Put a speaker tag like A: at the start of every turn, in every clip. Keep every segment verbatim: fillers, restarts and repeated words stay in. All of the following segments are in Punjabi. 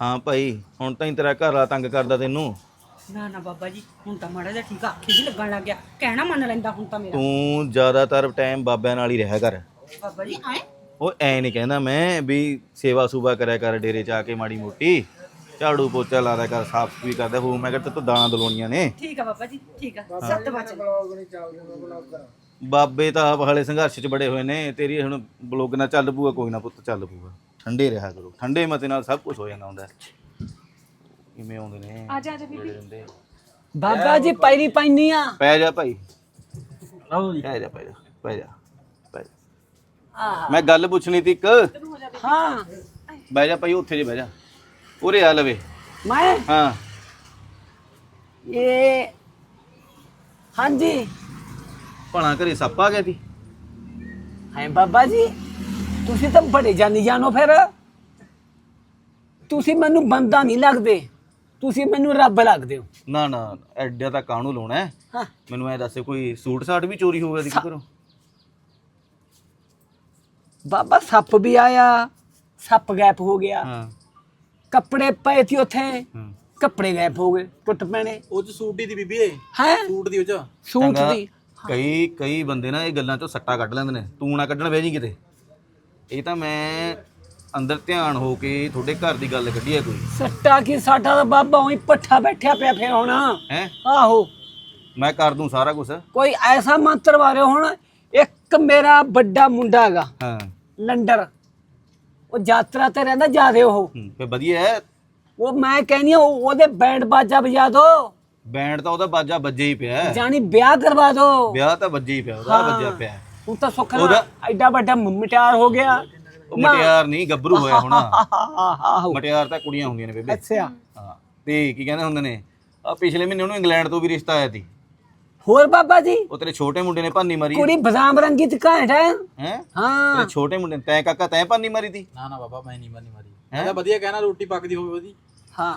A: ਹਾਂ ਭਾਈ ਹੁਣ ਤਾਂ ਹੀ ਤੇਰਾ ਘਰ ਵਾਲਾ ਤੰਗ ਕਰਦਾ ਤੈਨੂੰ।
B: ਨਾ ਨਾ ਬਾਬਾ ਜੀ ਹੁਣ ਤਾਂ ਮਾੜਾ ਜਿਹਾ ਠੀਕ ਆ, ਅੱਖੀ ਜੀ ਲੱਗਣ ਲੱਗ ਗਿਆ, ਕਹਿਣਾ ਮੰਨ ਲੈਂਦਾ ਹੁਣ ਤਾਂ ਮੇਰਾ।
A: ਤੂੰ ਜ਼ਿਆਦਾਤਰ ਟਾਈਮ ਬਾਬਿਆਂ ਨਾਲ ਹੀ ਰਿਹਾ ਕਰ।
B: ਬਾਬਾ ਜੀ ਆਏ
A: ਉਹ ਐ ਨਹੀਂ ਕਹਿੰਦਾ ਮੈਂ ਵੀ ਸੇਵਾ ਸੂਬਾ ਕਰਿਆ ਕਰ ਡੇਰੇ 'ਚ ਆ ਕੇ ਮਾੜੀ ਮੋਟੀ, ਝਾੜੂ ਪੋਚਾ ਲਾ ਦਿਆ ਕਰ, ਸਾਫ਼ ਵੀ ਕਰਦਾ ਹੋ। ਮੈਂ ਕਿਹਾ ਤੂੰ ਦਾਣਾ ਦਲਾਉਣੀਆਂ ਨੇ।
B: ਠੀਕ ਆ ਬਾਬਾ ਜੀ ਠੀਕ ਆ, ਸੱਤ ਵਜੇ
A: ਬਾਬੇ ਤਾਂ ਆਪ ਹਾਲੇ ਸੰਘਰਸ਼ 'ਚ ਬੜੇ ਹੋਏ ਨੇ। ਤੇਰੀ ਹੁਣ ਬਲੌਗ ਨਾਲ ਚੱਲ ਪੂਗਾ, ਕੋਈ ਨਾ ਪੁੱਤ ਚੱਲ ਪੂਗਾ। ਠੰਡੇ ਰਿਹਾ ਕਰੋ, ਠੰਡੇ ਮਤੇ ਨਾਲ ਸਭ ਕੁਝ ਹੋ ਜਾਂਦਾ ਹੁੰਦਾ। ਕਿਵੇਂ ਆਉਂਦੇ ਨੇ
B: ਆ ਜਾ ਆ ਜਾ ਬੀਬੀ।
C: ਬਾਬਾ ਜੀ ਪੈਰੀ ਪੈਣੀ ਆ।
A: ਪੈ ਜਾ ਭਾਈ, ਪੈ ਜਾ ਪੈ ਜਾ ਪੈ ਜਾ ਪੈ ਜਾ। ਮੈਂ ਗੱਲ ਪੁੱਛਣੀ ਤੀ ਇੱਕ।
C: ਹਾਂ
A: ਬਹਿ ਜਾ ਭਾਈ, ਉੱਥੇ ਜੇ ਬਹਿ ਜਾ, ਉਰੇ ਆ ਲਵੇ।
C: ਮੈਂ
A: ਹਾਂ
C: ਇਹ ਹਾਂਜੀ
A: ਭਲਾ ਘਰੇ ਸੱਪ ਆ ਗਿਆ ਤੀ।
C: ਹੈ ਬਾਬਾ ਜੀ ਤੁਸੀਂ ਤਾਂ ਬੜੇ ਜਾਨੀ ਜਾਨੋ, ਫਿਰ ਤੁਸੀਂ ਮੈਨੂੰ ਬੰਦਾ ਨਹੀਂ ਲੱਗਦੇ, ਤੁਸੀਂ ਮੈਨੂੰ ਰੱਬ ਲੱਗਦੇ ਹੋ।
A: ਨਾ ਨਾ ਐਡਾ ਤਾਂ ਕਾਹਨੂੰ ਲਾਉਣਾ ਹੈ।
C: ਹਾਂ
A: ਮੈਨੂੰ ਐ ਦੱਸ ਕੋਈ ਸੂਟ ਸਾਟ ਵੀ ਚੋਰੀ ਹੋ ਗਿਆ ਸੀ ਘਰੋਂ?
C: ਬਾਬਾ ਸੱਪ ਵੀ ਆਇਆ, ਸੱਪ ਗਾਇਬ ਹੋ ਗਿਆ।
A: ਹਾਂ
C: ਕੱਪੜੇ ਪਏ ਸੀ ਉੱਥੇ,
A: ਹਾਂ
C: ਕੱਪੜੇ ਗਾਇਬ ਹੋ ਗਏ, ਟੁੱਟ ਪੈਣੇ।
D: ਉਹ ਚ ਸੂਟ ਦੀ ਬੀਬੀ ਏ,
C: ਹੈ
D: ਸੂਟ ਦੀ ਉਹ ਚ
C: ਸੂਟ
A: ਚੰਗਾ,
C: ਦੀ।
A: ਕਈ ਕਈ ਬੰਦੇ ਨਾ ਇਹ ਗੱਲਾਂ ਚੋਂ ਸੱਟਾ ਕੱਢ ਲੈਂਦੇ ਨੇ। ਤੂੰ ਨਾ ਕੱਢਣ ਬਹਿ ਜੀ ਕਿਤੇ। ਇਹ ਤਾਂ ਮੈਂ ਅੰਦਰ ਧਿਆਨ ਹੋ ਕੇ ਤੁਹਾਡੇ ਘਰ ਦੀ ਗੱਲ ਕੱਢੀ ਹੈ ਕੋਈ।
C: ਸੱਟਾ ਕੀ ਸਾਡਾ ਤਾਂ ਬਾਬਾ ਉਹੀ ਪੱਠਾ ਬੈਠਿਆ ਪਿਆ ਫਿਰ ਹੁਣ।
A: ਹੈ
C: ਆਹੋ
A: ਮੈਂ ਕਰ ਦੂੰ ਸਾਰਾ ਕੁਝ।
C: ਕੋਈ ਐਸਾ ਮੰਤਰ ਮਾਰੇ ਹੁਣ। ਇੱਕ ਮੇਰਾ ਵੱਡਾ ਮੁੰਡਾ ਹੈਗਾ
A: ਹਾਂ
C: ਲੰਡਰ, ਉਹ ਯਾਤਰਾ ਤੇ ਰਹਿੰਦਾ ਜਾਦੇ। ਉਹ
A: ਹੂੰ, ਫੇ ਵਧੀਆ ਹੈ।
C: ਉਹ ਮੈਂ ਕਹਿੰਦੀ ਆ ਉਹਦੇ ਬੈਂਡ ਬਾਜਾ ਵਜਾ ਦੋ,
A: ਬੈਂਡ ਤਾਂ ਉਹਦਾ ਬਾਜਾ ਵੱਜੇ ਹੀ ਪਿਆ ਹੈ।
C: ਜਾਨੀ ਵਿਆਹ ਕਰਵਾ ਦੋ।
A: ਵਿਆਹ ਤਾਂ ਵੱਜੇ ਹੀ ਪਿਆ, ਉਹਦਾ ਵੱਜਿਆ ਪਿਆ ਹੈ।
C: ਹੁਣ ਤਾਂ ਸੁੱਖ ਨਾਲ
A: ਉਹਦਾ-
C: ਐਡਾ ਵੱਡਾ ਮਟਿਆਰ ਹੋ ਗਿਆ।
A: ਉਹ ਮਟਿਆਰ ਨਹੀਂ ਗੱਭਰੂ ਹੋਇਆ ਹੋਣਾ।
C: ਆਹੋ
A: ਮਟਿਆਰ ਤਾਂ ਕੁੜੀਆਂ ਹੁੰਦੀਆਂ ਨੇ ਬੇਬੇ।
C: ਅੱਛਾ
A: ਹਾਂ ਤੇ ਕੀ ਕਹਿੰਦੇ ਹੁੰਦੇ ਨੇ, ਆ ਪਿਛਲੇ ਮਹੀਨੇ ਉਹਨੂੰ ਇੰਗਲੈਂਡ ਤੋਂ ਵੀ ਰਿਸ਼ਤਾ ਆਇਆ ਸੀ।
C: ਹੋਰ ਬਾਬਾ ਜੀ
A: ਉਹ ਤੇਰੇ ਛੋਟੇ ਮੁੰਡੇ ਨੇ ਭਾਨੀ ਮਾਰੀ
C: ਕੁੜੀ ਬਦਾਮ ਰੰਗੀ ਤੇ ਘਾਟ ਹੈ।
A: ਹੈ।
C: ਹਾਂ
A: ਤੇਰੇ ਛੋਟੇ ਮੁੰਡੇ ਨੇ, ਤੈਂ ਕਾਕਾ ਤੈਂ ਭਾਨੀ ਮਾਰੀ ਤੀ।
D: ਨਾ ਨਾ ਬਾਬਾ ਮੈਂ ਨਹੀਂ ਬੰਨੀ ਮਾਰੀ। ਮੈਂ ਤਾਂ ਵਧੀਆ ਕਹਿਣਾ ਰੋਟੀ ਪੱਕਦੀ ਹੋਵੇ ਉਹਦੀ।
C: ਹਾਂ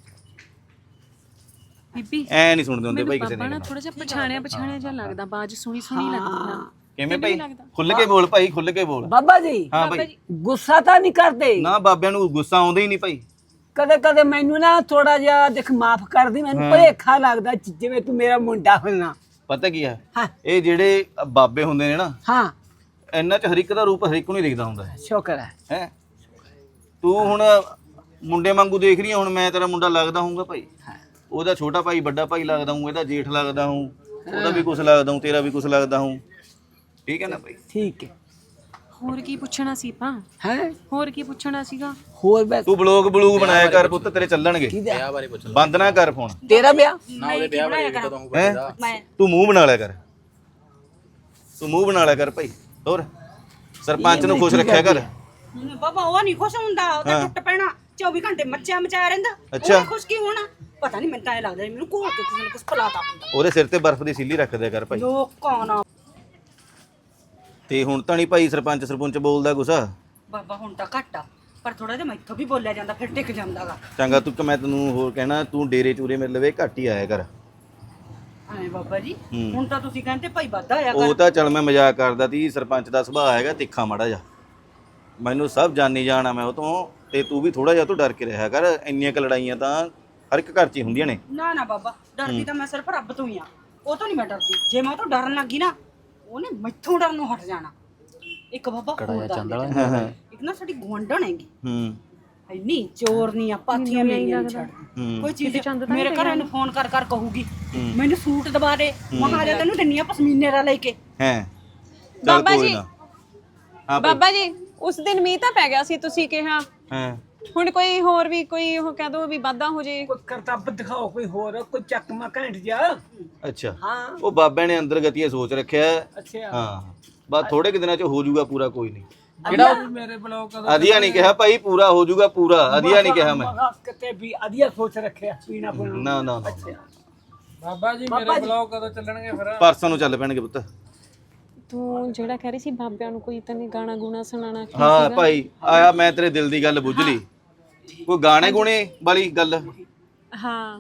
E: ਬੀਬੀ
A: ਐ ਨਹੀਂ ਸੁਣਦੇ ਹੁੰਦੇ ਭਾਈ ਕਿਸੇ
E: ਬਾਬਾ
A: ਨੇ।
E: ਨਾ ਥੋੜਾ ਜਿਹਾ ਪਛਾਣਿਆ ਪਛਾਣਿਆ ਜਿਹਾ ਲੱਗਦਾ, ਬਾਜ ਸੁਣੀ ਸੁਣੀ ਲੱਗਦੀ ਆ।
A: ਕਿਵੇਂ ਭਾਈ? ਖੁੱਲ ਕੇ ਬੋਲ ਭਾਈ, ਖੁੱਲ ਕੇ ਬੋਲ।
C: ਬਾਬਾ ਜੀ
A: ਹਾਂ ਭਾਈ।
C: ਗੁੱਸਾ ਤਾਂ ਨਹੀਂ ਕਰਦੇ?
A: ਨਾ ਬਾਬਿਆਂ ਨੂੰ ਗੁੱਸਾ ਆਉਂਦਾ ਹੀ ਨਹੀਂ ਭਾਈ।
C: ਕਦੇ ਕਦੇ ਮੈਨੂੰ ਨਾ ਥੋੜਾ ਜਿਹਾ ਦੇਖ ਮਾਫ ਕਰਦੀ, ਮੈਨੂੰ ਭੁਲੇਖਾ ਲੱਗਦਾ ਜਿਵੇਂ ਤੂੰ ਮੇਰਾ ਮੁੰਡਾ ਹੋਣਾ।
A: ਪਤਾ ਕੀ ਹੈ,
C: ਹਾਂ
A: ਇਹ ਜਿਹੜੇ ਬਾਬੇ ਹੁੰਦੇ ਨੇ ਨਾ,
C: ਹਾਂ
A: ਇਹਨਾਂ 'ਚ ਹਰ ਇੱਕ ਦਾ ਰੂਪ ਹਰ ਇੱਕ ਨੂੰ ਹੀ ਦਿਖਦਾ ਹੁੰਦਾ ਹੈ।
C: ਸ਼ੁਕਰ ਹੈ।
A: ਹੈ ਤੂੰ ਹੁਣ ਮੁੰਡੇ ਵਾਂਗੂ ਦੇਖ ਰਹੀ ਹੈ। ਹੁਣ ਮੈਂ ਤੇਰਾ ਮੁੰਡਾ ਲੱਗਦਾ ਹੂੰਗਾ ਭਾਈ, ਉਹਦਾ ਛੋਟਾ ਭਾਈ ਵੱਡਾ ਭਾਈ ਲੱਗਦਾ ਹੂੰ, ਇਹਦਾ ਜੇਠ ਲੱਗਦਾ ਹੂੰ, ਉਹਦਾ ਵੀ ਕੁਛ ਲੱਗਦਾ ਹੂੰ, ਤੇਰਾ ਵੀ ਕੁਛ ਲੱਗਦਾ ਹੂੰ। ਠੀਕ ਹੈ ਨਾ ਭਾਈ?
C: ਠੀਕ ਹੈ।
E: ਹੋਰ ਕੀ ਪੁੱਛਣਾ ਸੀ ਪਾ?
C: ਹੈ
E: ਹੋਰ ਕੀ ਪੁੱਛਣਾ ਸੀਗਾ?
C: ਹੋਰ ਬਸ
A: ਤੂੰ ਬਲੌਗ ਬਲੂਗ ਬਣਾਇਆ ਕਰ ਪੁੱਤ, ਤੇਰੇ ਚੱਲਣਗੇ।
D: ਵਿਆਹ ਬਾਰੇ ਪੁੱਛ ਲੈ
A: ਬੰਦ ਨਾ ਕਰ ਫੋਨ।
C: ਤੇਰਾ ਵਿਆਹ
D: ਨਾ, ਉਹਦੇ ਵਿਆਹ ਬਾਰੇ ਕਦੋਂ ਹੋਊਗਾ
A: ਹੈਂ?
D: ਇਹਦਾ?
B: ਮੈਂ
A: ਤੂੰ ਮੂੰਹ ਬਣਾ ਲਿਆ ਕਰ, ਤੂੰ ਮੂੰਹ ਬਣਾ ਲਿਆ ਕਰ ਭਾਈ। ਹੋਰ ਸਰਪੰਚ ਨੂੰ ਖੁਸ਼ ਰੱਖਿਆ ਕਰ।
B: ਬਾਬਾ ਉਹ ਨਹੀਂ ਖੁਸ਼ ਹੁੰਦਾ, ਉਹ ਤਾਂ ਟੁੱਟ ਪੈਣਾ। ਚੌਵੀ ਘੰਟੇ ਮੱਚਿਆ ਮਚਾਇਆ ਰਹਿੰਦਾ।
A: ਅੱਛਾ।
B: ਉਹ ਖੁਸ਼ ਕੀ ਹੋਣਾ? ਪਤਾ ਨਹੀਂ, ਮੈਨੂੰ ਤਾਂ ਇਹ ਲੱਗਦਾ ਮੈਨੂੰ ਕੋਲ ਕੇ ਕਿਸੇ ਨੇ ਕੁਝ ਪਲਾਤਾ ਹੁੰਦਾ।
A: ਉਹਦੇ ਸਿਰ ਤੇ ਬਰਫ਼ ਦੀ ਸੀਲੀ ਰੱਖ ਦਿਆ ਕਰ ਭਾਈ।
B: ਲੋਕਾਂ ਨਾ
A: ਤੇ ਹੁਣ ਤਾਂ ਨਹੀਂ ਭਾਈ ਸਰਪੰਚ ਸਰਪੰਚ ਬੋਲਦਾ ਗੁੱਸਾ।
B: ਬਾਬਾ ਹੁਣ ਤਾਂ ਘੱਟ ਆ, ਪਰ ਥੋੜਾ ਜਿਹਾ ਮੈਥੋਂ ਵੀ ਬੋਲਿਆ ਜਾਂਦਾ, ਫਿਰ ਟਿਕ ਜਾਂਦਾਗਾ।
A: ਚੰਗਾ ਤੂੰ, ਮੈਂ ਤੈਨੂੰ ਹੋਰ ਕਹਿਣਾ, ਤੂੰ ਡੇਰੇ ਚੂਰੇ ਮੇਰੇ ਲਵੇ ਘੱਟ ਹੀ ਆਇਆ ਕਰ।
B: ਐ ਬਾਬਾ ਜੀ
A: ਹੂੰ।
B: ਹੁਣ ਤਾਂ ਤੁਸੀਂ ਕਹਿੰਦੇ ਭਾਈ ਵਾਧਾ ਆਇਆ
A: ਉਹ
B: ਕਰ।
A: ਤਾਂ ਚੱਲ ਮੈਂ ਮਜ਼ਾਕ ਕਰਦਾ ਤੀ। ਸਰਪੰਚ ਦਾ ਸੁਭਾਅ ਹੈਗਾ ਤਿੱਖਾ ਮਾੜਾ ਜਾ, ਮੈਨੂੰ ਸਭ ਜਾਣੀ ਜਾਣਾ ਮੈਂ ਉਹ ਤੋਂ। ਤੇ ਤੂੰ ਵੀ ਥੋੜਾ ਜਿਹਾ ਤੂੰ ਡਰ ਕੇ ਰਿਹਾ ਕਰ। ਇੰਨੀਆਂ ਕ ਲੜਾਈਆਂ ਤਾਂ ਹਰ ਇੱਕ ਘਰ 'ਚ ਹੀ ਹੁੰਦੀਆਂ ਨੇ।
B: ਨਾ ਨਾ ਬਾਬਾ, ਡਰਦੀ ਤਾਂ ਮੈਂ ਸਿਰਫ ਰੱਬ ਤੋਂ ਹੀ ਆ, ਉਹ ਤੋਂ ਨਹੀਂ ਮੈਂ ਡਰਦੀ। ਜੇ ਮੈਂ ਉਹ ਤੋਂ ਡਰਨ ਲੱਗੀ ਨਾ, ਉਹਨੇ ਮੈਥੋਂ ਡਰਨ ਨੂੰ ਹਟ ਜਾਣਾ। ਇੱਕ ਬਾਬਾ ਹੋਰ ਦੱਸ ਦੇ,
A: ਹਾਂ ਹਾਂ
B: ਇੱਕ ਨਾ ਸਾਡੀ ਗੁਆਂਢਣ ਹੈਗੀ,
A: ਹੂੰ
B: ਇੰਨੀ ਚੋਰ ਨਹੀਂ ਆ, ਪਾਥੀਆਂ ਮੇਰੀਆਂ ਨਹੀਂ ਛੱਡ
A: ਹੂੰ
B: ਕੋਈ ਚੀਜ਼। ਮੇਰੇ ਘਰ ਨੂੰ ਫੋਨ ਕਰ ਕਰ ਕਹੂਗੀ ਮੈਨੂੰ ਸੂਟ ਦਵਾ ਦੇ, ਮਹਾਰਾਜਾ ਤੈਨੂੰ ਦਿੰਨੀ ਆ ਪਸ਼ਮੀਨੇ ਦਾ ਲੈ ਕੇ।
A: ਹੈ
E: ਬਾਬਾ ਜੀ,
A: ਹਾਂ
E: ਬਾਬਾ ਜੀ ਉਸ ਦਿਨ ਮੀਂਹ ਤਾਂ ਪੈ ਗਿਆ ਸੀ, ਤੁਸੀਂ ਕਿਹਾ।
A: ਹਾਂ
E: ਹੁਣ ਕੋਈ ਹੋਰ ਵੀ ਕੋਈ ਉਹ ਕਹਿ ਦੋ ਵੀ ਵਾਧਾ ਹੋ ਜੇ।
C: ਕੋਈ ਕਰਤੱਵ ਦਿਖਾਓ, ਕੋਈ ਹੋਰ ਕੋਈ ਚੱਕਮਾ ਘੈਂਟ ਜਾ।
A: ਅੱਛਾ,
C: ਹਾਂ
A: ਉਹ ਬਾਬਿਆਂ ਨੇ ਅੰਦਰ ਗਤੀਏ ਸੋਚ ਰੱਖਿਆ ਹੈ।
C: ਅੱਛਾ
A: ਹਾਂ ਬਸ ਥੋੜੇ ਕਿ ਦਿਨਾਂ 'ਚ ਹੋ ਜਾਊਗਾ ਪੂਰਾ, ਕੋਈ ਨਹੀਂ।
C: ਕਿਹੜਾ ਮੇਰੇ ਬਲੌਗ
A: ਅਧੀਆ ਨਹੀਂ ਕਿਹਾ ਭਾਈ, ਪੂਰਾ ਹੋ ਜਾਊਗਾ ਪੂਰਾ। ਅਧੀਆ ਨਹੀਂ ਕਿਹਾ ਮੈਂ।
C: ਕਿਤੇ ਵੀ ਅਧੀਆ ਸੋਚ ਰੱਖਿਆ ਪੀਣਾ ਪੀਣਾ।
A: ਨਾ ਨਾ ਨਾ
D: ਬਾਬਾ ਜੀ ਮੇਰੇ ਬਲੌਗ ਕਦੋਂ ਚੱਲਣਗੇ ਫਿਰ?
A: ਪਰਸੋਂ ਨੂੰ ਚੱਲ ਪੈਣਗੇ ਪੁੱਤ।
E: ਤੂੰ ਜਿਹੜਾ ਕਹਿ ਰਹੀ ਸੀ ਬਾਬਿਆਂ ਨੂੰ ਕੋਈ ਤੈਨੂੰ ਗਾਣਾ ਗੁਣਾ ਸੁਣਾਣਾ ਕੀ
A: ਹਾਂ
E: ਸੀਗਾ?
A: ਭਾਈ ਆਇਆ, ਮੈਂ ਤੇਰੇ ਦਿਲ ਦੀ ਗੱਲ ਬੁੱਝ ਲਈ। ਕੋਈ ਗਾਣੇ ਗੁਣੇ ਵਾਲੀ ਗੱਲ?
E: ਹਾਂ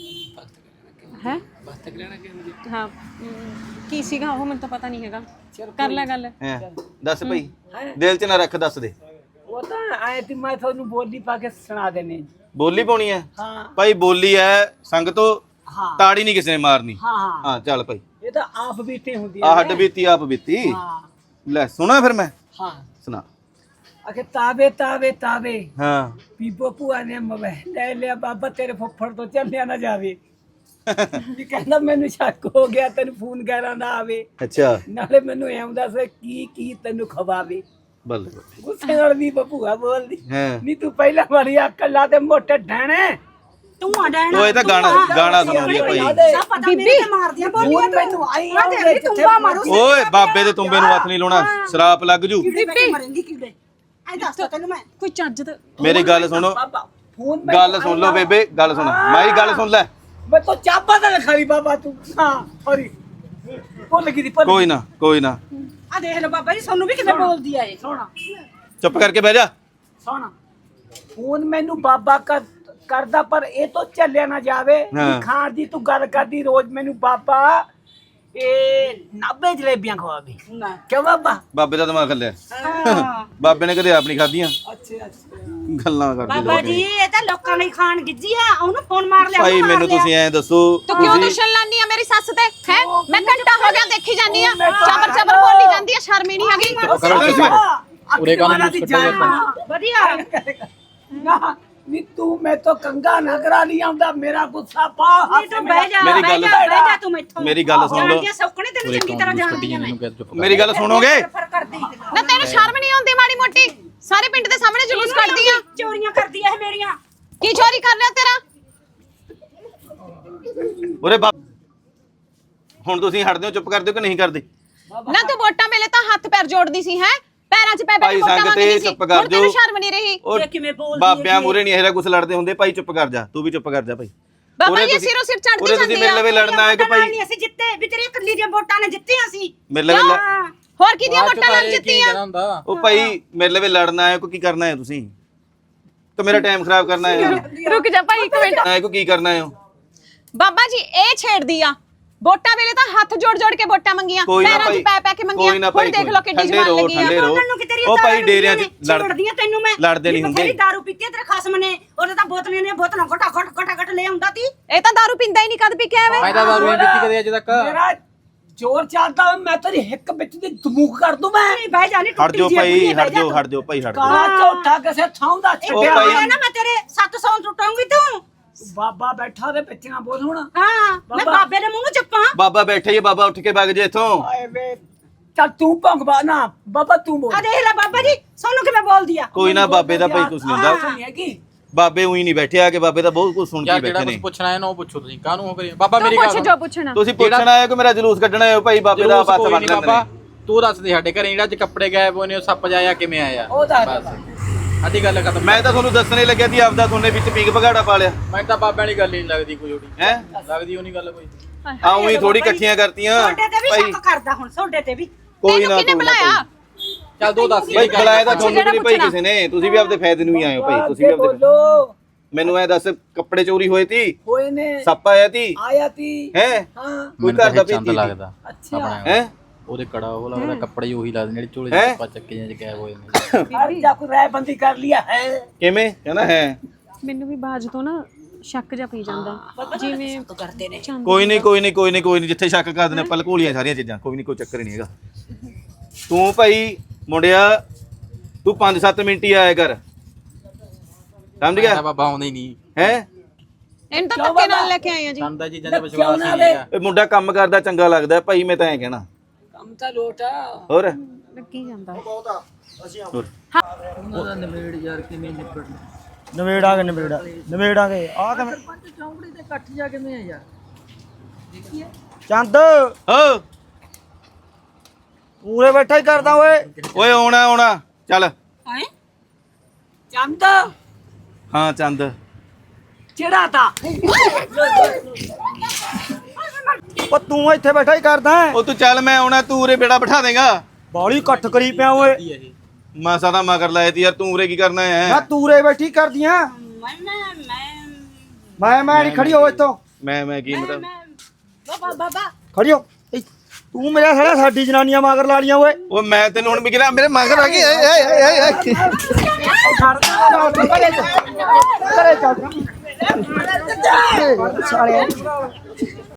E: ਹੈ ਹਾਂ ਅਮ, ਕੀ ਸੀਗਾ ਉਹ? ਮੈਨੂੰ ਤਾਂ ਪਤਾ ਨਹੀਂ ਹੈਗਾ। ਕਰ ਲੈ ਗੱਲ।
A: ਹੈ ਦੱਸ ਭਾਈ, ਦਿਲ 'ਚ ਨਾ ਰੱਖ, ਦੱਸ ਦੇ।
C: ਉਹ ਤਾਂ ਆਏ ਤੇ ਮੈਂ ਤੁਹਾਨੂੰ ਬੋਲੀ ਪਾ ਕੇ ਸੁਣਾ ਦੇਣੀ।
A: ਬੋਲੀ ਪਾਉਣੀ ਹੈ
C: ਹਾਂ
A: ਭਾਈ, ਬੋਲੀ ਹੈ ਸੰਗਤੋ,
C: ਹਾਂ
A: ਤਾੜੀ ਨਹੀਂ ਕਿਸੇ ਨੇ ਮਾਰਨੀ।
C: ਹਾਂ ਹਾਂ
A: ਹਾਂ ਚੱਲ ਭਾਈ,
C: ਇਹ ਤਾਂ ਆਪ ਬੀਤੀ ਹੁੰਦੀ
A: ਆ ਹੱਡ ਬੀਤੀ ਆਪ ਬੀਤੀ।
C: ਹਾਂ
A: ਲੈ ਸੁਣਾ ਫਿਰ ਮੈਂ
C: ਹਾਂ
A: ਸੁਣਾ।
C: ਅਖੇ ਤਾਵੇ ਤਾਵੇ ਤਾਵੇ
A: ਹਾਂ
C: ਬੀਬੋ ਭੂਆ ਨੇ ਮੋਬਾਈਲ ਲੈ ਲਿਆ, ਬਾਬਾ ਤੇਰੇ ਫੁੱਫੜ ਤੋਂ ਚੱਲਿਆ ਨਾ ਜਾਵੇ। ਵੀ ਕਹਿੰਦਾ ਮੈਨੂੰ ਸ਼ੱਕ ਹੋ ਗਿਆ, ਤੈਨੂੰ ਫੋਨ ਕਰਾਂ ਨਾ ਆਵੇ,
A: ਅੱਛਾ
C: ਨਾਲੇ ਮੈਨੂੰ ਐਂ ਹੁੰਦਾ ਸੀ ਕੀ ਕੀ ਤੈਨੂੰ ਖਵਾਵੇ।
A: ਬੱਲੇ ਬੱਲੇ।
C: ਗੁੱਸੇ ਨਾਲ ਵੀ ਭੂਆ ਬੋਲਦੀ,
A: ਹਾਂ
C: ਨਹੀਂ ਤੂੰ ਪਹਿਲਾਂ ਮਾਰੀ ਅਕਲ ਲਾ ਤੇ ਮੋਟੇ ਢਾਣੇ।
B: ਤੂੰ ਆ ਡੈਣਾ
A: ਉਹ ਇਹ ਤਾਂ ਗਾਣਾ ਗਾਣਾ ਸੁਣਾਉਂਦੀ ਆ ਭਾਈ।
B: ਸਾ ਪਤਾ ਮੇਰੇ ਤੇ ਮਾਰਦੀਆਂ ਬੋਲੀਆਂ
C: ਹੁਣ
B: ਤੂੰ
C: ਮੈਨੂੰ ਆਈ
B: ਮੈਂ
C: ਆਉਂਦੇ
B: ਤੇਰੀ ਤੁੰਬਾ ਮਾਰੂ
A: ਓਏ ਬਾਬੇ ਦੇ ਤੁੰਬੇ ਨੂੰ ਹੱਥ ਨਹੀਂ ਲਾਉਣਾ, ਸ਼ਰਾਪ ਲੱਗ ਜੂ।
B: ਕੀੜੇ ਬੈਠੇ ਮਰੇਂਗੀ ਕੀੜੇ। ਐ ਦੱਸ ਤਾ ਤੈਨੂੰ ਮੈਂ
E: ਕੋਈ ਚੱਜ ਦਾ
A: ਮੇਰੀ ਗੱਲ ਸੁਣੋ,
C: ਬਾਬਾ ਫੋਨ
A: ਗੱਲ ਸੁਣ ਲਓ ਬੇਬੇ, ਗੱਲ ਸੁਣ ਮਾਈ, ਗੱਲ ਸੁਣ ਲੈ।
C: ਮੈਂ ਤਾਂ ਚਾਬਾ ਤਾਂ ਖਾਲੀ ਬਾਬਾ ਤੂੰ। ਹਾਂ ਸੌਰੀ ਭੁੱਲ ਗਈ ਦੀ ਭੁੱਲ
A: ਕੋਈ ਨਾ ਕੋਈ ਨਾ,
B: ਆ ਦੇਖ ਲੈ ਬਾਬਾ ਜੀ ਸਾਨੂੰ ਵੀ ਕਿਵੇਂ ਬੋਲਦੀ ਆ ਇਹ।
C: ਸੋਣਾ
A: ਚੁੱਪ ਕਰਕੇ ਬਹਿ ਜਾ।
C: ਸੋਣਾ ਫੋਨ ਮੈਨੂੰ ਬਾਬਾ ਕਰ ਕਰਦਾ, ਪਰ ਇਹ ਤੋਂ ਚੱਲਿਆ ਨਾ ਜਾਵੇ।
A: ਹਾਂ।
C: ਖਾਣ ਦੀ ਤੂੰ ਗੱਲ ਕਰਦੀ ਰੋਜ਼ ਮੈਨੂੰ ਬਾਬਾ ਇਹ ਨਾਬੇ ਜਲੇਬੀਆਂ ਖਵਾਵੇ।
B: ਨਾ
C: ਕਿਉਂ ਬਾਬਾ?
A: ਬਾਬੇ ਦਾ ਦਿਮਾਗ ਖੱਲਿਆ,
B: ਹਾਂ
A: ਬਾਬੇ ਨੇ ਕਦੇ ਆਪ ਨਹੀਂ ਖਾਧੀਆਂ।
C: ਅੱਛਾ ਅੱਛਾ
A: ਗੱਲਾਂ ਕਰਦੇ
B: ਬਾਬਾ
A: ਲੋਕ।
B: ਜੀ ਇਹ ਤਾਂ ਲੋਕਾਂ ਨੇ ਖਾਣ ਗਿੱਜੀ ਆ, ਉਹਨੂੰ ਫੋਨ ਮਾਰ ਲਿਆ।
A: ਭਾਈ
B: ਉਹਨੂੰ ਮਾਰ
A: ਮੈਨੂੰ
B: ਲਿਆ।
A: ਤੁਸੀਂ ਐਂ ਦੱਸੋ,
E: ਤੂੰ ਕਿਉਂ
A: ਤੁਸੀਂ
E: ਦੁਸ਼ਮਣ ਲਾਨੀ ਆ ਮੇਰੀ ਸੱਸ ਤੇ ਹੈ? ਮੈਂ ਘੰਟਾ ਹੋ ਗਿਆ ਦੇਖੀ ਜਾਨੀ ਆ,
C: ਮੈਂ ਤਾਂ-
E: ਚਬਰ ਚਬਰ ਬੋਲੀ ਜਾਂਦੀ ਆ, ਸ਼ਰਮ ਹੀ ਨਹੀਂ ਹੈਗੀ।
D: ਕਰੋ ਤੁਸੀਂ। ਉਰੇ ਕਾਹਨੂੰ
C: ਅੱਖ ਦੀ
D: ਕੱਟਿਆ
C: ਜਾਨ।
D: ਜਾਂਦਾ?
B: ਵਧੀਆ
C: ਨਾ ਨੀ ਤੂੰ ਮੈਂ ਤੋਂ ਕੰਗਾ ਨਾ ਕਰਾ ਨਹੀਂ ਆਉਂਦਾ, ਮੇਰਾ ਗੁੱਸਾ ਪਾ।
B: ਨਹੀਂ ਤੂੰ ਬਹਿ ਜਾ
A: ਮੇਰੀ
B: ਬਹਿ
A: ਗੱਲ-
B: ਜਾ ਬਹਿ ਜਾ ਤੂੰ ਮੈਥੋਂ।
A: ਮੇਰੀ ਗੱਲ ਸੁਣ ਲਓ।
B: ਜਾਣਦੀਆਂ ਸੌਕਣੇ ਤੈਨੂੰ
D: ਉਰੇ
B: ਚੰਗੀ
D: ਕੌਣ
B: ਤਰ੍ਹਾਂ
D: ਜੂਸ
B: ਜਾਣਦੀ
D: ਕੱਢੀ
B: ਆ ਮੈਂ।
D: ਮੈਨੂੰ ਕਹਿ ਚੁੱਪ ਕਰ।
A: ਮੇਰੀ ਗੱਲ ਸੁਣੋਗੇ?
B: ਫਰ ਕਰਦੀ
E: ਨਾ ਤੈਨੂੰ ਸ਼ਰਮ ਨਹੀਂ ਆਉਂਦੀ ਮਾੜੀ ਮੋਟੀ? ਸਾਰੇ ਪਿੰਡ ਦੇ ਸਾਹਮਣੇ ਜਲੂਸ ਕੱਢਦੀ ਆ।
B: ਚੋਰੀਆਂ ਕਰਦੀ ਆ ਇਹ ਮੇਰੀਆਂ।
E: ਕੀ ਚੋਰੀ ਕਰ ਲਿਆ ਤੇਰਾ?
A: ਉਰੇ ਬਾਬ ਹੁਣ ਤੁਸੀਂ ਹਟਦੇ ਹੋ, ਚੁੱਪ ਕਰਦੇ ਹੋ ਕਿ ਨਹੀਂ ਕਰਦੇ?
E: ਨਾ ਤੂੰ ਵੋਟਾਂ ਵੇਲੇ ਤਾਂ ਹੱਥ ਪੈਰ ਜੋੜਦੀ ਸੀ ਹੈ, ਪੈਰਾਂ 'ਚ ਪੈ ਪੈ
A: ਭਾਈ
E: ਕੇ ਵੋਟਾਂ
A: ਸੰਗਤ
E: ਮੰਗਦੀ
A: ਇਹ
E: ਸੀ।
A: ਚੁੱਪ ਕਰ
E: ਹੁਣ ਤੈਨੂੰ
A: ਜਾਓ।
E: ਸ਼ਰਮ ਨਹੀਂ ਰਹੀ?
A: ਉਹ
B: ਇਹ ਕਿਵੇਂ ਬੋਲਦੀ
A: ਬਾਬਿਆਂ
B: ਹੈਗੀ?
A: ਮੂਰੇ ਨਹੀਂ ਇਹਦਾ ਕੁਛ ਲੜਦੇ ਹੁੰਦੇ। ਭਾਈ ਚੁੱਪ ਕਰ ਜਾ, ਤੂੰ ਵੀ ਚੁੱਪ ਕਰ ਜਾ ਭਾਈ।
E: ਬਾਬਾ
A: ਉਰੇ
E: ਜੀ
A: ਤੁਸੀਂ-
E: ਸਿਰੋਂ ਸਿਰ ਚੜਦੀ
A: ਉਰੇ ਤੁਸੀਂ
E: ਜਾਂਦੀ
A: ਮੇਰੇ
E: ਆ।
A: ਲਵੇ ਲੜਨਾ ਹੈ ਕਿ
B: ਵੋਟਾਂ ਨਾਲ
A: ਭਾਈ
B: ਨਹੀਂ ਅਸੀਂ ਜਿੱਤੇ, ਵੀ ਤੇਰੀ ਇਕੱਲੀ ਦੀਆਂ ਵੋਟਾਂ ਨੇ ਜਿੱਤੀਆਂ ਸੀ।
A: ਮੇਰੇ ਲਵੇ ਲ-
B: ਹਾਂ।
E: ਹੋਰ ਕਿਹਦੀਆਂ
D: ਬਾਅਦ ਚੋਂ
E: ਵੋਟਾਂ
D: ਤਾਂ
E: ਨਾਲ
D: ਇਹ ਕੀ
E: ਜਿੱਤੀਆਂ?
D: ਕਹਿਣਾ ਹੁੰਦਾ?
A: ਉਹ ਭਾਈ ਮੇਰੇ ਲਵੇ ਲੜਨਾ ਹੈ, ਕੋ ਕੀ ਕਰਨਾ ਹੈ ਤੁਸੀਂ? ਤਾਂ ਮੇਰਾ ਟਾਈਮ ਖਰਾਬ ਕਰਨਾ ਹੈ?
E: ਰੁਕ ਜਾ ਭਾਈ ਇੱਕ ਮਿੰਟ।
A: ਨਾ ਕੋ ਕੀ ਕਰਨਾ ਹੈ?
E: ਬਾਬਾ ਜੀ ਇਹ ਛੇੜਦੀ ਆ, ਵੋਟਾਂ ਵੇਲੇ ਤਾਂ ਹੱਥ ਜੋੜ ਜੋੜ ਕੇ ਵੋਟਾਂ ਮੰਗੀਆਂ,
A: ਕੋਈ ਨਾ
E: ਪੈਰਾਂ 'ਚ
A: ਭਾਈ,
E: ਪੈ ਪੈ ਕੇ ਮੰਗੀਆਂ।
A: ਕੋਈ ਨਾ
E: ਹੁਣ
A: ਭਾਈ,
E: ਦੇਖ ਲਓ ਕਿੱਡੀ
A: ਠੰਡੇ
E: ਜਵਾਨ
A: ਰਹੋ,
E: ਲੱਗੀ ਆ।
A: ਠੰਡੇ ਰਹੋ।
B: ਬੋਲਣ ਨੂੰ ਕਿ ਤੇਰੀਆਂ
A: ਉਹ ਭਾਈ
B: ਦਾਰੂ
A: ਡੇਰਿਆਂ 'ਚ
B: ਪੀਤੀਆਂ ਨੇ,
A: ਲੜ-
B: ਛੇੜਦੀਆਂ ਤੈਨੂੰ ਮੈਂ।
A: ਲੜਦੇ ਨਹੀਂ
B: ਵੀ ਬਥੇਰੀ
A: ਹੁੰਦੇ।
B: ਦਾਰੂ ਪੀਤੀ ਆ ਤੇਰੇ ਖਸਮ ਨੇ, ਉਹਨੇ ਤਾਂ ਬੋਤਲਾਂ ਨੇ ਬੋਤਲਾਂ ਘਟਾ ਘਟ ਘਟਾ ਘਟ ਲੈ ਆਉਂਦਾ ਤੀ।
E: ਇਹ ਤਾਂ ਦਾਰੂ ਪੀਂਦਾ ਹੀ ਨਹੀਂ, ਕਦ ਪੀ ਕੇ ਆਵੇ।
D: ਮੈਂ ਤਾਂ ਦਾਰੂ ਨਹੀਂ ਪੀਤੀ ਕਦੇ ਅੱਜ ਤੱਕ।
C: ਮੇਰਾ ਜ਼ੋਰ ਚੱਲਦਾ, ਮੈਂ ਤੇਰੀ ਹਿੱਕ ਵਿੱਚ ਦੀ ਧਮੂਕ ਕਰ ਦੂੰ ਮੈਂ।
B: ਨਹੀਂ ਬਹਿ ਜਾ, ਨਹੀਂ
A: ਹਟ
B: ਟੁੱਟੀ
A: ਜਾਓ
B: ਜੀ
A: ਭਾਈ,
B: ਬੁੜੀ, ਬਹਿ
A: ਹਟ
B: ਜਾ
A: ਜਾਓ
B: ਤੂੰ।
A: ਹਟ ਜਾਓ ਭਾਈ, ਹਟ ਜਾਓ।
C: ਕਾਲਾ ਝੋਟਾ ਕਿਸੇ ਥਾਂ ਦਾ
B: ਇਹ
C: ਛੱਡਿਆ
A: ਭਾਈ-
B: ਆਇਆ ਨਾ ਮੈਂ ਤੇਰੇ ਸੱਤ ਸੌ ਟੁੱਟਾਂਗੀ ਤੂੰ।
C: ਬਾਬਾ ਬੈਠਾ ਦੇ ਵਿੱਚ ਨਾ ਬੋਲ ਹੁਣ।
B: ਹਾਂ ਮੈਂ
C: ਬਾਬਾ।
B: ਬਾਬੇ ਦੇ ਮੂੰਹ ਨੂੰ ਚੱਪਾਂ।
A: ਬਾਬਾ ਬੈਠੇ ਹੀ, ਬਾਬਾ ਉੱਠ ਕੇ ਵਗ ਜੇ ਇੱਥੋਂ।
C: ਆਏ ਵੇ ਚੱਲ ਤੂੰ ਭੰਗਵਾ ਨਾ ਬਾਬਾ, ਤੂੰ ਬੋਲ।
B: ਆ ਦੇਖ ਲੈ ਬਾਬਾ ਜੀ ਸਾਨੂੰ ਕਿਵੇਂ ਬੋਲਦੀ ਆ।
A: ਕੋਈ ਨਾ ਬਾਬੇ ਦਾ ਭਾਈ ਕੁਛ ਨਹੀਂ ਹੁੰਦਾ।
C: ਨਹੀਂ ਹੈਗੀ।
A: ਬਾਬੇ ਉਹੀ ਨਹੀਂ ਬੈਠੇ ਆ ਕਿ ਬਾਬੇ ਦਾ ਬਹੁਤ ਕੁਝ ਸੁਣ ਕੇ
D: ਯਾਰ ਜਿਹੜਾ
A: ਬੈਠੇ
D: ਕੁਝ
A: ਨੇ।
D: ਪੁੱਛਣਾ ਹੈ ਨਾ ਉਹ ਪੁੱਛੋ ਤੁਸੀਂ। ਕਾਹਨੂੰ ਹੋ ਕਰੀ ਬਾਬਾ
E: ਤੂੰ
D: ਮੇਰੀ ਗੱਲ
E: ਪੁੱਛ ਜੋ ਪੁੱਛਣਾ।
A: ਤੁਸੀਂ ਪੁੱਛਣਾ ਹੈ ਕਿ ਮੇਰਾ ਜਲੂਸ ਕੱਢਣਾ ਹੈ ਭਾਈ, ਬਾਬੇ ਦਾ
D: ਜਲੂਸ
A: ਹੱਥ
D: ਕੋਈ
A: ਬੰਨ
D: ਨਹੀਂ
A: ਲੈਂਦੇ
D: ਬਾਬਾ,
A: ਨੇ।
D: ਤੂੰ ਦੱਸ ਦੇ ਸਾਡੇ ਘਰੇ ਜਿਹੜਾ ਅੱਜ ਕੱਪੜੇ ਗਾਇਬ ਹੋਏ ਨੇ ਉਹ ਸੱਪ ਜਾਇਆ ਕਿਵੇਂ ਆਇਆ?
C: ਉਹ ਦੱਸ
D: ਬਸ ਅੱਧੀ ਗੱਲ ਖਤਮ।
A: ਮੈਂ ਤਾਂ ਤੁਹਾਨੂੰ ਦੱਸਣੇ ਲੱਗਿਆ ਸੀ ਆਪਦਾ, ਤੁਹਾਨੇ ਵਿੱਚ ਪੀਕ ਭਗਾੜਾ ਪਾ ਲਿਆ
D: ਮੈਨੂੰ ਤਾਂ ਬਾਬਿਆਂ ਵਾਲੀ ਗੱਲ ਹੀ ਨਹੀਂ ਲੱਗਦੀ ਕੋਈ ਉਹਦੀ।
A: ਹੈ।
D: ਲੱਗਦੀ ਉਹ ਨਹੀਂ ਗੱਲ ਕੋਈ।
A: ਆਉਂ ਹੀ ਥੋੜੀ ਇਕੱਠੀਆਂ ਕਰਤੀਆਂ
B: ਤੁਹਾਡੇ ਤੇ ਵੀ
A: ਭਾਈ।
B: ਸ਼ੱਕ ਕਰਦਾ ਹੁਣ, ਤੁਹਾਡੇ ਤੇ ਵੀ।
A: ਕੋਈ
E: ਤੈਨੂੰ
A: ਨਾ
E: ਕਿਹਨੇ
A: ਕੋਈ ਨਾ
E: ਬੁਲਾਇਆ?
D: ਚੱਲ ਦੋ ਦੱਸ
A: ਭਾਈ,
D: ਜਿਹੜੀ ਗੱਲ
A: ਬੁਲਾਇਆ ਤਾਂ
E: ਪੁੱਛ
A: ਤੁਹਾਨੂੰ ਵੀ ਨਹੀਂ ਭਾਈ
E: ਜਿਹੜਾ
A: ਕਿਸੇ ਨੇ, ਤੁਸੀਂ ਵੀ ਆਪਦੇ ਫਾਇਦੇ ਨੂੰ ਹੀ ਆਏ ਹੋ ਭਾਈ। ਤੁਸੀਂ ਵੀ
C: ਅੱਗੇ
A: ਆਪਦੇ
C: ਬੋਲੋ।
A: ਮੈਨੂੰ ਐ ਦੱਸ, ਕੱਪੜੇ ਚੋਰੀ ਹੋਏ ਤੀ,
C: ਹੋਏ ਨੇ,
A: ਸੱਪ ਆਇਆ ਤੀ,
C: ਆਇਆ ਤੀ।
A: ਹੈ
C: ਹਾਂ
A: ਕੋਈ
D: ਮੈਨੂੰ
A: ਘਰ ਦਾ
D: ਤਾਂ ਚੰਦ
A: ਭੇਤੀ
D: ਲੱਗਦਾ
C: ਅੱਛਾ।
D: ਆਪਣਾ
A: ਹੈ।
D: ਉਹਦੇ ਕੜਾ ਉਹ ਲੱਗਦਾ, ਕੱਪੜੇ ਉਹੀ ਲੱਗਦੇ ਜਿਹੜੇ ਝੋਲੇ
A: ਹੈਂ?
D: ਚ ਆਪਾਂ ਚੱਕੇ ਜਾਂ ਗਾਇਬ ਹੋਏ ਨੇ।
C: ਹਰ ਜਾ ਕੋਈ ਰਾਇ ਬੰਦੀ ਕਰ ਲਿਆ ਹੈ।
A: ਕਿਵੇਂ ਕਹਿੰਦਾ ਹੈ?
E: ਮੈਨੂੰ ਵੀ ਬਾਜ ਤੋਂ ਨਾ ਸ਼ੱਕ ਜਾ ਪਈ ਜਾਂਦਾ, ਜਿਵੇਂ
B: ਕਰਦੇ ਨੇ।
E: ਚੰਦ
A: ਕੋਈ ਨਹੀਂ ਕੋਈ ਨਹੀਂ ਕੋਈ ਨਹੀਂ ਕੋਈ ਨਹੀਂ, ਜਿੱਥੇ ਸ਼ੱਕ ਕਰਦੇ ਨੇ ਪਲ ਘੋਲੀਆਂ ਸਾਰੀਆਂ ਚੀਜ਼ਾਂ। ਕੋਈ ਨਹੀਂ, ਕੋਈ ਚੱਕਰ ਹੀ ਨਹੀਂ ਹੈਗਾ। ਤੂੰ ਭਾਈ ਮੁੰਡਿਆ, ਤੂੰ ਪੰਜ ਸੱਤ ਮਿੰਟ ਹੀ ਆਇਆ ਕਰ, ਸਮਝ
D: ਮੈਂ
A: ਗਿਆ
D: ਤਾਂ ਬਾਬਾ ਆਉਂਦਾ ਹੀ ਨਹੀਂ।
A: ਹੈ?
E: ਇਹਨੂੰ ਤਾਂ ਧੱਕੇ ਨਾਲ ਲੈ ਕੇ ਆਏ ਆ ਜੀ।
D: ਚੰਦਾ ਚੀਜ਼ਾਂ ਦੇ
C: ਕਿਉਂ
D: ਵਿਸ਼ਵਾਸ
C: ਨਾ
D: ਨਹੀਂ
C: ਲੈ?
D: ਹੈਗਾ।
A: ਇਹ ਮੁੰਡਾ ਕੰਮ ਕਰਦਾ ਚੰਗਾ ਲੱਗਦਾ ਭਾਈ, ਮੈਂ ਤਾਂ ਐਂ ਕਹਿਣਾ।
C: ਕੰਮ ਤਾਂ ਲੋਟਾ।
A: ਹੋਰ
E: ਲੱਗੀ ਜਾਂਦਾ।
A: ਹੋਰ।
F: ਨਵੇੜਾਂਗੇ ਨਵੇੜਾ ਨਵੇੜਾਂਗੇ ਆ ਕਿਵੇਂ
C: ਚੌਂਕੜੀ ਤੇ ਇਕੱਠ ਜਾ ਕਿਵੇਂ ਆ ਯਾਰ?
F: ਚੰਦ
A: ਹੋ
F: ਪੂਰੇ ਬੈਠਾ ਹੀ ਕਰਦਾ ਓਏ।
A: ਓਏ ਆਉਣਾ ਆਉਣਾ ਚੱਲ।
B: ਹੈਂ?
C: ਚੰਦ
A: ਹਾਂ ਚੰਦ,
C: ਚਿਹੜਾ ਤਾ।
F: ਉਹ ਤੂੰ ਇੱਥੇ ਬੈਠਾ ਹੀ ਕਰਦਾ
A: ਉਹ ਤੂੰ ਚੱਲ, ਮੈਂ ਆਉਣਾ, ਤੂੰ ਉਰੇ ਬੇੜਾ ਬਿਠਾ ਦੇਗਾ।
F: ਬਾਲੀ ਇਕੱਠ ਕਰੀ ਪਿਆ ਓਏ।
D: ਇਹ
A: ਮਾਸਾ ਦਾ ਮਗਰ ਲਾਇਆ ਤੀ ਯਾਰ, ਤੂੰ ਉਰੇ ਕੀ ਕਰਨਾ
F: ਨਾ
A: ਹੈ?
F: ਤੂਰੇ ਬੈਠੀ ਕਰਦੀਆਂ।
B: ਮੈਂ ਮੈਂ ਮੈਂ
F: ਮੈਂ ਮੈਂ ਨਹੀਂ ਖੜੀ ਹੋ ਇੱਥੋਂ,
A: ਮੈਂ ਮੈਂ ਕੀ ਮਤਲਬ?
B: ਮੈਂ ਬਾਬਾ ਬਾਬਾ
F: ਖੜੀ ਹੋ। ਈ, ਤੂੰ ਮੇਰਾ ਸਾਲਾ ਸਾਡੀ ਜਨਾਨੀਆਂ ਮਗਰ ਲਾ ਲੀਆਂ ਓਏ।
A: ਉਹ ਮੈਂ ਤੈਨੂੰ ਹੁਣ ਵੀ ਕਿਹਾ ਮੇਰੇ ਮਗਰ ਆ ਗਈ। ਏ ਏ ਏ ਏ
F: ਛੱਡ ਦੇ ਘਰੇ ਚੱਲ ਘਰੇ ਚੱਲ ਸਾਲੇ